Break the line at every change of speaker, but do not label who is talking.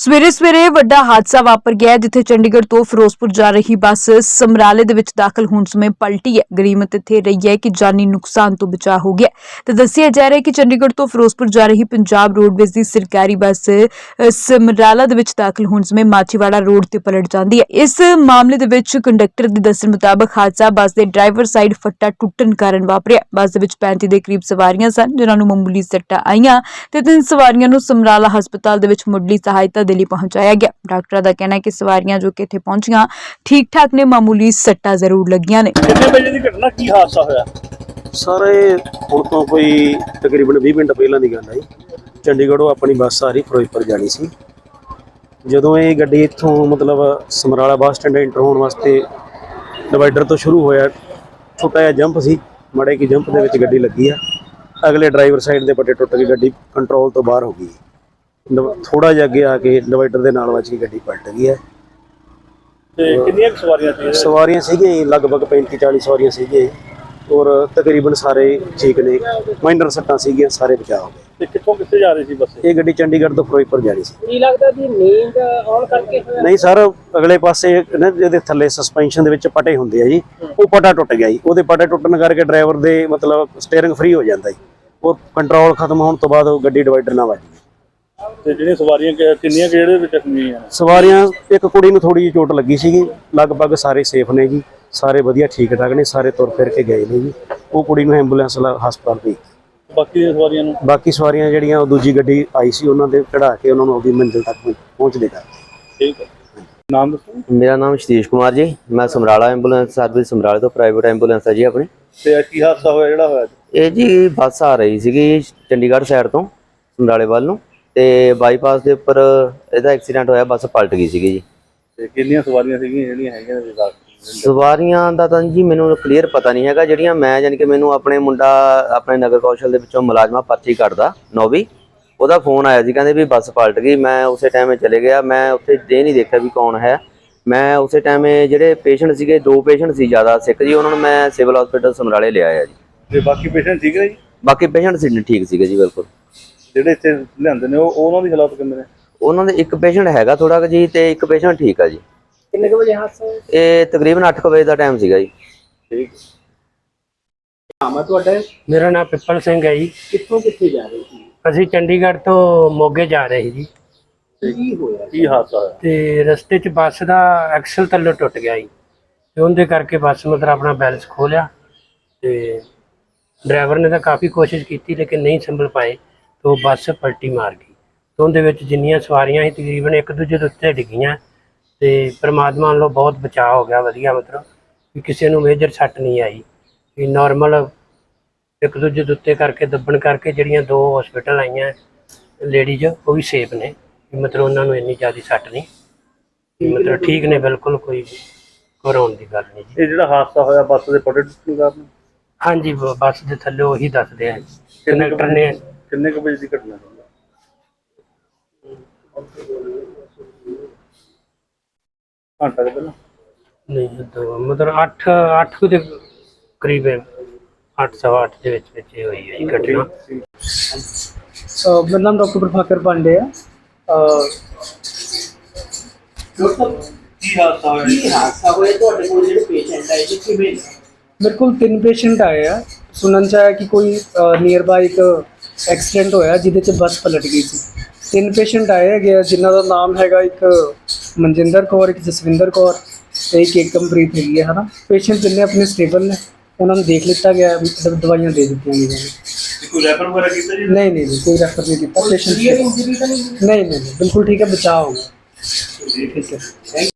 ਸਵੇਰੇ ਸਵੇਰੇ ਵੱਡਾ ਹਾਦਸਾ ਵਾਪਰ ਗਿਆ ਜਿੱਥੇ ਚੰਡੀਗੜ੍ਹ ਤੋਂ ਫਿਰੋਜ਼ਪੁਰ ਜਾ ਰਹੀ ਬੱਸ ਸਮਰਾਲੇ ਦੇ ਵਿੱਚ ਦਾਖਲ ਹੋਣ ਸਮੇਂ ਪਲਟੀ ਹੈ। ਗਰੀਮਤ ਇੱਥੇ ਰਹੀ ਹੈ ਕਿ ਜਾਨੀ ਨੁਕਸਾਨ ਤੋਂ ਬਚਾਅ ਹੋ ਗਿਆ ਤੇ ਦੱਸਿਆ ਜਾ ਰਿਹਾ ਹੈ ਕਿ ਚੰਡੀਗੜ੍ਹ ਤੋਂ ਫਿਰੋਜ਼ਪੁਰ ਜਾ ਰਹੀ ਪੰਜਾਬ ਰੋਡਵੇਜ਼ ਦੀ ਸਰਕਾਰੀ ਬੱਸ ਸਮਰਾਲਾ ਦੇ ਵਿੱਚ ਦਾਖਲ ਹੋਣ ਸਮੇਂ ਮਾਚੀਵਾੜਾ ਰੋਡ ਤੇ ਪਲਟ ਜਾਂਦੀ ਹੈ। ਇਸ ਮਾਮਲੇ ਦੇ ਵਿੱਚ ਕੰਡਕਟਰ ਦੇ ਦੱਸਣ ਮੁਤਾਬਕ ਹਾਦਸਾ ਬੱਸ ਦੇ ਡਰਾਈਵਰ ਸਾਈਡ ਫੱਟਾ ਟੁੱਟਣ ਕਾਰਨ ਵਾਪਰਿਆ। ਬੱਸ ਦੇ ਵਿੱਚ 35 ਦੇ ਕਰੀਬ ਸਵਾਰੀਆਂ ਸਨ ਜਿਨ੍ਹਾਂ ਨੂੰ ਮਾਮੂਲੀ ਸੱਟਾਂ ਆਈਆਂ ਤੇ 3 ਸਵਾਰੀਆਂ ਨੂੰ ਸਮਰਾਲਾ ਹਸਪਤਾਲ ਦੇ ਵਿੱਚ ਮੁੱਢਲੀ ਸਹਾਇਤਾ ਦੇ ਲਈ ਪਹੁੰਚਾਇਆ ਗਿਆ। ਡਾਕਟਰਾਂ ਦਾ ਕਹਿਣਾ ਹੈ ਕਿ ਸਵਾਰੀਆਂ ਜੋ ਕਿ ਇੱਥੇ ਪਹੁੰਚੀਆਂ ਠੀਕ ਠਾਕ ਨੇ, ਮਾਮੂਲੀ ਸੱਟਾਂ ਜ਼ਰੂਰ ਲੱਗੀਆਂ ਨੇ।
ਕਿੰਨੇ ਵਜੇ ਦੀ ਘਟਨਾ, ਕੀ ਹਾਦਸਾ ਹੋਇਆ?
ਸਰ ਇਹ ਹੁਣ ਤੋਂ ਕੋਈ ਤਕਰੀਬਨ 20 ਮਿੰਟ ਪਹਿਲਾਂ ਦੀ ਗੱਲ ਹੈ। ਚੰਡੀਗੜ੍ਹੋਂ ਆਪਣੀ ਬੱਸ ਆ ਰਹੀ ਫਿਰੋਜ਼ਪੁਰ ਜਾਣੀ ਸੀ। ਜਦੋਂ ਇਹ ਗੱਡੀ ਇੱਥੋਂ ਮਤਲਬ ਸਮਰਾਲਾ ਬੱਸ ਸਟੈਂਡ ਐਂਟਰ ਹੋਣ ਵਾਸਤੇ ਡਿਵਾਈਡਰ ਤੋਂ ਸ਼ੁਰੂ ਹੋਇਆ, ਛੋਟਾ ਜਿਹਾ ਜੰਪ ਸੀ, ਮਾੜੇ ਕੀ ਜੰਪ ਦੇ ਵਿੱਚ ਗੱਡੀ ਲੱਗੀ ਆ। ਅਗਲੇ ਡਰਾਈਵਰ ਸਾਈਡ ਦੇ ਪੱਟੇ ਟੁੱਟ ਕੇ ਗੱਡੀ ਕੰਟਰੋਲ ਤੋਂ ਬਾਹਰ ਹੋ ਗਈ। ਥੋੜਾ ਜਿਹਾ ਅੱਗੇ ਆ ਕੇ ਡਿਵਾਈਡਰ ਦੇ ਨਾਲ ਵੱਜ ਕੇ ਗੱਡੀ ਪਲਟ ਗਈ ਹੈ।
ਤੇ ਕਿੰਨੀਆਂ ਸਵਾਰੀਆਂ ਸੀ?
ਸਵਾਰੀਆਂ ਸੀਗੀਆਂ ਲਗਭਗ 35-40 ਸਵਾਰੀਆਂ ਸੀਗੀਆਂ ਔਰ ਤਕਰੀਬਨ ਸਾਰੇ ਠੀਕ ਨੇ, ਮਾਈਨਰ ਸੱਟਾਂ ਸੀਗੀਆਂ, ਸਾਰੇ ਬਚਾਅ ਹੋ ਗਏ।
ਤੇ ਕਿੱਥੋਂ ਕਿੱਥੇ ਜਾ ਰਹੀ ਸੀ ਬੱਸ?
ਇਹ ਗੱਡੀ ਚੰਡੀਗੜ੍ਹ ਤੋਂ ਫਿਰੋਜ਼ਪੁਰ ਜਾ ਰਹੀ ਸੀ।
ਕੀ ਲੱਗਦਾ ਵੀ ਨੀਂਦ ਆਉਣ ਕਰਕੇ ਹੋਇਆ?
ਨਹੀਂ ਸਰ, ਅਗਲੇ ਪਾਸੇ ਨਾ ਜਿਹਦੇ ਥੱਲੇ ਸਸਪੈਂਸ਼ਨ ਦੇ ਵਿੱਚ ਪਟੇ ਹੁੰਦੇ ਆ ਜੀ, ਉਹ ਪਟਾ ਟੁੱਟ ਗਿਆ ਜੀ। ਉਹਦੇ ਪਟੇ ਟੁੱਟਣ ਕਰਕੇ ਡਰਾਈਵਰ ਦੇ ਮਤਲਬ ਸਟੀਅਰਿੰਗ ਫ੍ਰੀ ਹੋ ਜਾਂਦਾ ਜੀ, ਉਹ ਕੰਟਰੋਲ ਖਤਮ ਹੋਣ ਤੋਂ ਬਾਅਦ ਉਹ ਗੱਡੀ ਡਿਵਾਈਡਰ ਨਾਲ ਵੱਜ ਗਈ।
ਤੇ ਜਿਹੜੀਆਂ ਸਵਾਰੀਆਂ ਕਿੰਨੀਆਂ ਜਿਹੜੇ ਵਿੱਚ ਜ਼ਖਮੀ ਆ?
ਸਵਾਰੀਆਂ ਇੱਕ ਕੁੜੀ ਨੂੰ ਥੋੜੀ ਜਿਹੀ ਚੋਟ ਲੱਗੀ ਸੀਗੀ, ਲਗਭਗ ਸਾਰੇ ਸੇਫ ਨੇ ਜੀ, ਸਾਰੇ ਵਧੀਆ ਠੀਕ ਠਾਕ ਨੇ, ਸਾਰੇ ਤੁਰ ਫਿਰ ਕੇ ਗਏ ਨੇ ਜੀ। ਉਹ ਕੁੜੀ ਨੂੰ ਐਂਬੂਲੈਂਸ ਹਸਪਤਾਲ ਭੇਜੀ।
ਬਾਕੀ ਦੀਆਂ ਸਵਾਰੀਆਂ ਨੂੰ?
ਬਾਕੀ ਸਵਾਰੀਆਂ ਜਿਹੜੀਆਂ ਉਹ ਦੂਜੀ ਗੱਡੀ ਆਈ ਸੀ ਉਹਨਾਂ ਦੇ ਚੜਾ ਕੇ ਉਹਨਾਂ ਨੂੰ ਆਪਣੀ ਮੰਜ਼ਿਲ ਤੱਕ ਪਹੁੰਚਦੇ ਕਰ।
ਠੀਕ ਹੈ, ਨਾਮ ਦੱਸੋ।
मेरा नाम सतीश कुमार जी, मैं समराला एंबूलेंस सर्विस समराले तो प्राइवेट एंबूलेंस है जी अपनी।
ਤੇ ਕੀ ਹਾਦਸਾ ਹੋਇਆ ਜਿਹੜਾ ਹੋਇਆ?
ਇਹ ਜੀ ਬੱਸ ਆ ਰਹੀ ਸੀਗੀ ਚੰਡੀਗੜ੍ਹ ਸਾਈਡ ਤੋਂ ਸਮਰਾਲੇ ਵੱਲ ਨੂੰ, ਤੇ ਬਾਈਪਾਸ ਦੇ ਉੱਪਰ ਇਹਦਾ ਐਕਸੀਡੈਂਟ ਹੋਇਆ, ਬੱਸ ਪਲਟ ਗਈ ਸੀਗੀ ਜੀ।
ਤੇ ਕਿੰਨੀਆਂ ਸਵਾਰੀਆਂ ਸੀਗੀਆਂ ਜਿਹੜੀਆਂ ਹੈਗੀਆਂ ਨੇ?
ਸਵਾਰੀਆਂ ਦਾ ਤਾਂ ਜੀ ਮੈਨੂੰ ਕਲੀਅਰ ਪਤਾ ਨਹੀਂ ਹੈਗਾ। ਜਿਹੜੀਆਂ ਮੈਂ ਯਾਨੀ ਕਿ ਮੈਨੂੰ ਆਪਣੇ ਮੁੰਡਾ ਆਪਣੇ ਨਗਰ ਕੌਸ਼ਲ ਦੇ ਵਿੱਚੋਂ ਮੁਲਾਜ਼ਮਾ ਪਰਚੀ ਕੱਢਦਾ ਨੌਵੀਂ, ਉਹਦਾ ਫੋਨ ਆਇਆ ਸੀ, ਕਹਿੰਦੇ ਵੀ ਬੱਸ ਪਲਟ ਗਈ। ਮੈਂ ਉਸੇ ਟਾਈਮ ਚਲੇ ਗਿਆ, ਮੈਂ ਉੱਥੇ ਇਹ ਨਹੀਂ ਦੇਖਿਆ ਵੀ ਕੌਣ ਹੈ। ਮੈਂ ਉਸੇ ਟਾਈਮ ਜਿਹੜੇ ਪੇਸ਼ੈਂਟ ਸੀਗੇ, 2 ਪੇਸ਼ੈਂਟ ਸੀ ਜ਼ਿਆਦਾ ਸਿੱਖ ਜੀ, ਉਹਨਾਂ ਨੂੰ ਮੈਂ ਸਿਵਲ ਹਸਪੀਟਲ ਸਮਰਾਲੇ ਲਿਆਇਆ ਜੀ।
ਤੇ ਬਾਕੀ ਪੇਸ਼ੈਂਟ ਠੀਕ ਨੇ ਜੀ?
ਬਾਕੀ ਪੇਸ਼ੈਂਟ ਸੀ ਠੀਕ ਸੀਗੇ ਜੀ, ਬਿਲਕੁਲ।
ਜਿਹੜੇ ਇੱਥੇ ਲਿਆਂਦੇ ਨੇ ਉਹਨਾਂ ਦੀ ਹਾਲਤ ਕਿੰਨੇ ਨੇ?
ਉਹਨਾਂ ਦੇ ਇੱਕ ਪੇਸ਼ੈਂਟ ਹੈਗਾ ਥੋੜਾ ਕੁ ਜੀ, ਤੇ ਇੱਕ ਪੇਸ਼ੈਂਟ ਠੀਕ ਆ ਜੀ।
ਕਿੰਨੇ ਕੁ ਵਜੇ ਹਾਦਸਾ ਹੋਇਆ?
ਇਹ ਤਕਰੀਬਨ 8 ਵਜੇ ਦਾ ਟਾਈਮ ਸੀਗਾ ਜੀ।
ਠੀਕ।
ਨਾਮ ਹੈ ਤੁਹਾਡਾ?
ਮੇਰਾ ਨਾਮ ਪਿੱਪਲ ਸਿੰਘ ਹੈ ਜੀ।
ਕਿੱਥੋਂ ਕਿੱਥੇ ਜਾ ਰਹੇ ਸੀ?
ਅਸੀਂ ਚੰਡੀਗੜ੍ਹ ਤੋਂ ਮੋਗੇ ਜਾ ਰਹੇ ਸੀ ਜੀ,
ਕੀ ਹੋਇਆ?
ਕੀ ਹਾਦਸਾ ਹੋਇਆ?
ਤੇ ਰਸਤੇ 'ਚ ਬੱਸ ਦਾ ਐਕਸਲ ਥੱਲੇ ਟੁੱਟ ਗਿਆ ਜੀ, ਤੇ ਉਹਦੇ ਕਰਕੇ ਬੱਸ ਮਤਲਬ ਆਪਣਾ ਬੈਲੈਂਸ ਖੋ ਲਿਆ, ਤੇ ਡਰਾਈਵਰ ਨੇ ਤਾਂ ਕਾਫੀ ਕੋਸ਼ਿਸ਼ ਕੀਤੀ ਲੇਕਿਨ ਨਹੀਂ ਸੰਭਲ ਪਾਏ, ਤੇ ਉਹ ਬੱਸ ਪਲਟੀ ਮਾਰ ਗਈ। ਤੇ ਉਹਦੇ ਵਿੱਚ ਜਿੰਨੀਆਂ ਸਵਾਰੀਆਂ ਸੀ ਤਕਰੀਬਨ ਇੱਕ ਦੂਜੇ ਦੇ ਉੱਤੇ ਡਿੱਗੀਆਂ, ਤੇ ਪਰਮਾਤਮਾ ਵੱਲੋਂ ਬਹੁਤ ਬਚਾਅ ਹੋ ਗਿਆ, ਵਧੀਆ, ਮਤਲਬ ਵੀ ਕਿਸੇ ਨੂੰ ਮੇਜਰ ਸੱਟ ਨਹੀਂ ਆਈ, ਵੀ ਨੋਰਮਲ ਇੱਕ ਦੂਜੇ ਦੇ ਉੱਤੇ ਕਰਕੇ ਦੱਬਣ ਕਰਕੇ ਜਿਹੜੀਆਂ 2 ਹਸਪੀਟਲ ਆਈਆਂ ਲੇਡੀਜ਼, ਉਹ ਵੀ ਸੇਫ ਨੇ, ਮਤਲਬ ਉਹਨਾਂ ਨੂੰ ਇੰਨੀ ਜ਼ਿਆਦਾ ਸੱਟ ਨਹੀਂ, ਮਤਲਬ ਠੀਕ ਨੇ ਬਿਲਕੁਲ, ਕੋਈ ਘਬਰਾਉਣ ਦੀ ਗੱਲ ਨਹੀਂ ਜੀ।
ਇਹ ਜਿਹੜਾ ਹਾਦਸਾ ਹੋਇਆ ਬੱਸ ਦੇ ਪਟੇ ਟੁੱਟਣ ਕਾਰਨ?
ਹਾਂਜੀ, ਬੱਸ ਦੇ ਥੱਲੇ ਉਹੀ ਦੱਸਦੇ ਆ ਕੰਡਕਟਰ ਨੇ।
ਕਿੰਨੇ ਕੁ ਵਜੇ ਦੀ ਘਟਨਾ ਹੈ? ਘੰਟਾ ਕੁ ਪਹਿਲਾਂ?
ਨਹੀਂ, ਮਤਲਬ 8 ਦੇ ਕਰੀਬ, 8 ਸਵਾ 8 ਦੇ ਵਿੱਚ ਇਹ ਹੋਈ ਹੈ ਜੀ ਘਟਨਾ।
ਮੇਰਾ ਨਾਮ ਡਾਕਟਰ ਪ੍ਰਭਾਕਰ ਪਾਂਡੇ ਹੈ।
ਕੀ ਹਾਦਸਾ ਹੋਇਆ?
ਕੀ ਹਾਦਸਾ ਹੋਇਆ? ਤੁਹਾਡੇ ਕੋਲ ਜਿਹੜੇ ਪੇਸ਼ੈਂਟ ਆਏ ਸੀ ਕਿਵੇਂ? ਮੇਰੇ ਕੋਲ 3 ਪੇਸ਼ੈਂਟ ਆਏ ਆ। ਸੁਣਨ ਚ ਆਇਆ ਕਿ ਕੋਈ ਨੀਅਰ ਬਾਈ ਇੱਕ ਐਕਸੀਡੈਂਟ ਹੋਇਆ ਜਿਹਦੇ ਚ ਬੱਸ ਪਲਟ ਗਈ ਸੀ। 3 ਪੇਸ਼ੈਂਟ ਆਏ ਹੈਗੇ ਜਿਨ੍ਹਾਂ ਦਾ ਨਾਮ ਹੈਗਾ, ਇੱਕ ਮਨਜਿੰਦਰ ਕੌਰ, ਇੱਕ ਜਸਵਿੰਦਰ ਕੌਰ ਤੇ ਇੱਕ ਏਕਮਪ੍ਰੀਤ ਹੈਗੀ ਹੈ, ਹੈ ਨਾ। ਪੇਸ਼ੈਂਟ ਜਿੰਨੇ ਆਪਣੇ ਸਟੇਬਲ ਨੇ, ਉਹਨਾਂ ਨੂੰ ਦੇਖ ਲਿੱਤਾ ਗਿਆ, ਦਵਾਈਆਂ ਦੇ ਦਿੱਤੀਆਂ ਗਈਆਂ ਨੇ।
ਕੋਈ ਰੈਫਰ ਵਗੈਰਾ ਕੀਤਾ ਜੀ?
ਨਹੀਂ, ਕੋਈ ਰੈਫਰ ਨਹੀਂ ਕੀਤਾ ਪੇਸ਼ੈਂਟ। ਨਹੀਂ, ਬਿਲਕੁਲ ਠੀਕ ਹੈ, ਬਚਾਅ ਹੋ ਗਿਆ। ਠੀਕ ਹੈ।